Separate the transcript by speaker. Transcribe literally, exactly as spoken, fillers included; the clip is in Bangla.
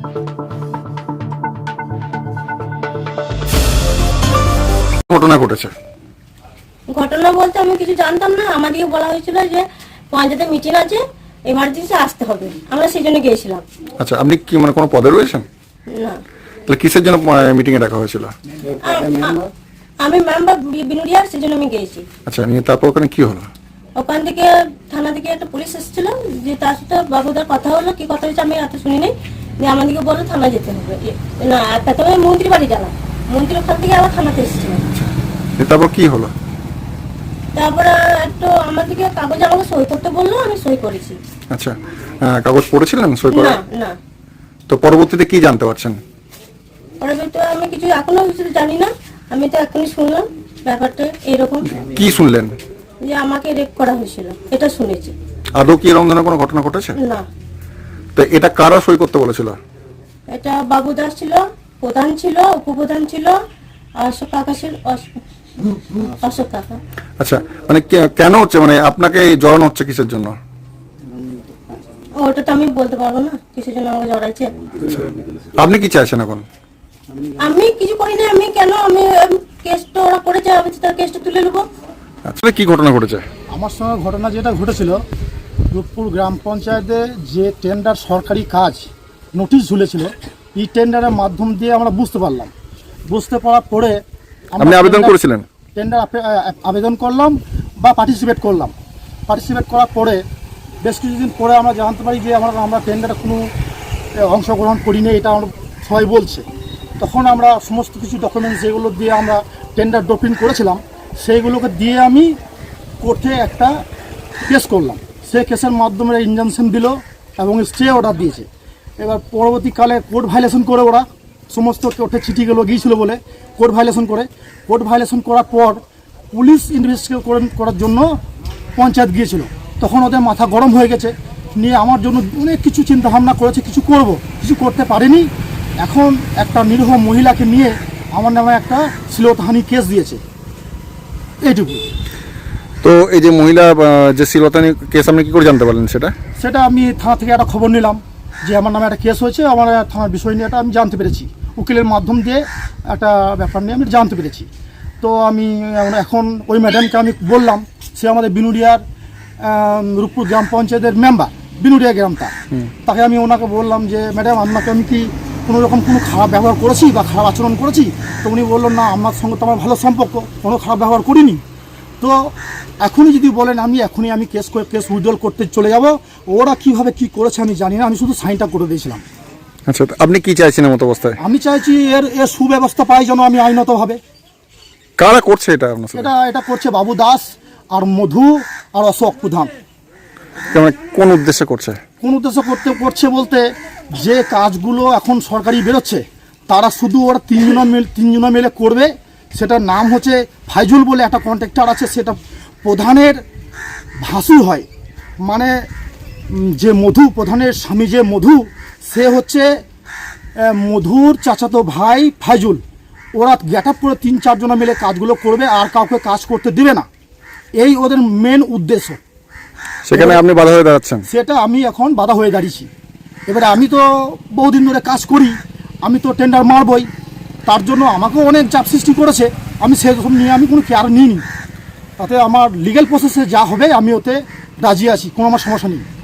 Speaker 1: ঘটনা ঘটেছে?
Speaker 2: ঘটনা বলতে আমি কিছু জানতাম না, আমাদেরকে বলা হয়েছিল যে পঞ্চায়েতে মিটিং আছে, এমার্জেন্সি আসতে হবে, আমরা সেই জন্য গিয়েছিলাম।
Speaker 1: আচ্ছা, আপনি কি মানে কোনো পদে রয়েছেন?
Speaker 2: না।
Speaker 1: তাহলে কিসের জন্য মিটিং এ ডাকা হয়েছিল?
Speaker 2: আমি মেম্বার বিনুরিয়ার, সেই জন্য আমি গিয়েছি।
Speaker 1: আচ্ছা, নিয়ে তারপর ওখানে কি হলো?
Speaker 2: ওখান থেকে থানা থেকে একটা পুলিশ এসেছিল, যে তার সাথে বাবুদার কথা হলো, কি কথা হয়েছে আমি এত শুনি নাই। যে আমাদেরকে বললো থানা যেতে হবে, না প্রথমে মন্ত্রী বাড়ি গেলাম, মন্ত্রী ওখান থেকে আবার থানাতে এসেছিল।
Speaker 1: তারপর কি হলো?
Speaker 2: তারপরে একটু আমাদেরকে কাগজ আমাকে সই করতে বললো, আমি সই করেছি।
Speaker 1: আচ্ছা, কাগজ পড়েছিলেন সই করা?
Speaker 2: না না।
Speaker 1: তো পরবর্তীতে কি জানতে পারছেন?
Speaker 2: পরবর্তীতে আমি কিছু এখনো কিছু জানি না, আমি তো এখনই শুনলাম ব্যাপারটা এরকম।
Speaker 1: কি শুনলেন?
Speaker 2: যে আমাকে রেপ করা হয়েছিল, এটা শুনেছি।
Speaker 1: আদৌ কি এরকম ধরনের কোনো ঘটনা ঘটেছে?
Speaker 2: না।
Speaker 1: তো এটা কারা সই করতে বলেছিল?
Speaker 2: এটা বাবু দাস ছিল, প্রধান ছিল, উপপ্রধান ছিল, অশোক কাকা ছিল, অশোক কাকা।
Speaker 1: আচ্ছা, মানে কেন হচ্ছে, মানে আপনাকে জড়ানো হচ্ছে কিসের জন্য?
Speaker 2: ওটা তো আমি বলতে পারবো না কিসের জন্য আমাকে জড়াইছে।
Speaker 1: আপনি কি চাইছেন এখন?
Speaker 2: আমি কিছু করি না, আমি কেন, আমি কেসটা ওরা করেছে, আমি তার কেসটা তুলে নেবো।
Speaker 1: আসলে কি ঘটনা ঘটেছে?
Speaker 3: আমার সঙ্গে ঘটনা যেটা ঘটেছিল, রূপপুর গ্রাম পঞ্চায়েতে যে টেন্ডার সরকারি কাজ নোটিশ ঝুলেছিল, এই টেন্ডারের মাধ্যম দিয়ে আমরা বুঝতে পারলাম। বুঝতে পারার পরে
Speaker 1: আপনি আবেদন করেছিলেন?
Speaker 3: টেন্ডার আবেদন করলাম বা পার্টিসিপেট করলাম। পার্টিসিপেট করার পরে বেশ কিছুদিন পরে আমরা জানতে পারি যে আমরা আমরা টেন্ডারে কোনো অংশগ্রহণ করিনি, এটা আমরা সবাই বলছে। তখন আমরা সমস্ত কিছু ডকুমেন্টস যেগুলো দিয়ে আমরা টেন্ডার ড্রপিং করেছিলাম, সেইগুলোকে দিয়ে আমি কোর্টে একটা কেস করলাম। সেই কেসের মাধ্যমে ইনজাংশন দিল এবং স্টে অর্ডার দিয়েছে। এবার পরবর্তীকালে কোর্ট ভায়োলেশন করে ওরা সমস্ত কোর্টে চিঠিগুলো গিয়েছিল বলে কোর্ট ভায়োলেশন করে কোর্ট ভায়োলেশন করার পর পুলিশ ইনভেস্টিগেট করার জন্য পঞ্চায়েত গিয়েছিল। তখন ওদের মাথা গরম হয়ে গেছে, নিয়ে আমার জন্য অনেক কিছু চিন্তা ভাবনা করেছে, কিছু করব, কিছু করতে পারেনি। এখন একটা নিরীহ মহিলাকে নিয়ে আমার নামে একটা শ্লীলতাহানি কেস দিয়েছে, এইটুকু।
Speaker 1: তো এই যে মহিলা যে শ্লীলতাহানি কেস, আপনি কি করে জানতে পারলেন সেটা?
Speaker 3: সেটা আমি থানা থেকে একটা খবর নিলাম যে আমার নামে একটা কেস হয়েছে, আমার থানার বিষয় নিয়ে এটা আমি জানতে পেরেছি, উকিলের মাধ্যম দিয়ে একটা ব্যাপার নিয়ে আমি জানতে পেরেছি। তো আমি এখন ওই ম্যাডামকে আমি বললাম, সে আমাদের বিনুরিয়ার রূপপুর গ্রাম পঞ্চায়েতের মেম্বার, বিনুরিয়া গ্রামটা। তাকে আমি ওনাকে বললাম যে ম্যাডাম, আপনাকে আমি কি কোনো রকম কোনো খারাপ ব্যবহার করেছি বা খারাপ আচরণ করেছি? তো উনি বললেন না, আপনার সঙ্গে তো আমার ভালো সম্পর্ক, কোনো খারাপ ব্যবহার করিনি। তো এখনই যদি বলেন আমি এখনই আমি কেস কেস উইথড্রল করতে চলে যাব, ওরা কিভাবে কি করেছে আমি জানি না, আমি শুধু সাইনটা করে দিয়েছিলাম।
Speaker 1: আচ্ছা, আপনি কি চাইছেন এমত অবস্থায়?
Speaker 3: আমি চাইছি এর এর সুব্যবস্থা পাই যেন আমি আইনতভাবে।
Speaker 1: কারা করছে এটা?
Speaker 3: এটা এটা করছে বাবু দাস আর মধু আর অশোক প্রধান।
Speaker 1: কোন উদ্দেশ্যে করছে?
Speaker 3: কোন উদ্দেশ্যে করতে করছে বলতে, যে কাজগুলো এখন সরকারি বেরোচ্ছে তারা শুধু ওরা তিনজনা মিলে তিনজনা মিলে করবে। সেটার নাম হচ্ছে ফাইজুল বলে একটা কন্ট্রাক্টর আছে, সেটা প্রধানের ভাসুর হয়, মানে যে মধু প্রধানের স্বামী যে মধু, সে হচ্ছে মধুর চাচাতো ভাই ফাইজুল। ওরা গেট আপ করে তিন চারজনা মিলে কাজগুলো করবে, আর কাউকে কাজ করতে দেবে না, এই ওদের মেন উদ্দেশ্য।
Speaker 1: সেখানে আপনি বাধা হয়ে দাঁড়াচ্ছেন?
Speaker 3: সেটা আমি এখন বাধা হয়ে দাঁড়িয়েছি। এবারে আমি তো বহুদিন ধরে কাজ করি, আমি তো টেন্ডার মারবই, তার জন্য আমাকেও অনেক চাপ সৃষ্টি করেছে। আমি সেরকম নিয়ে আমি কোনো কেয়ার নিইনি, তাতে আমার লিগ্যাল প্রসেসে যা হবে আমি ওতে রাজি আছি, কোনো আমার সমস্যা নেই।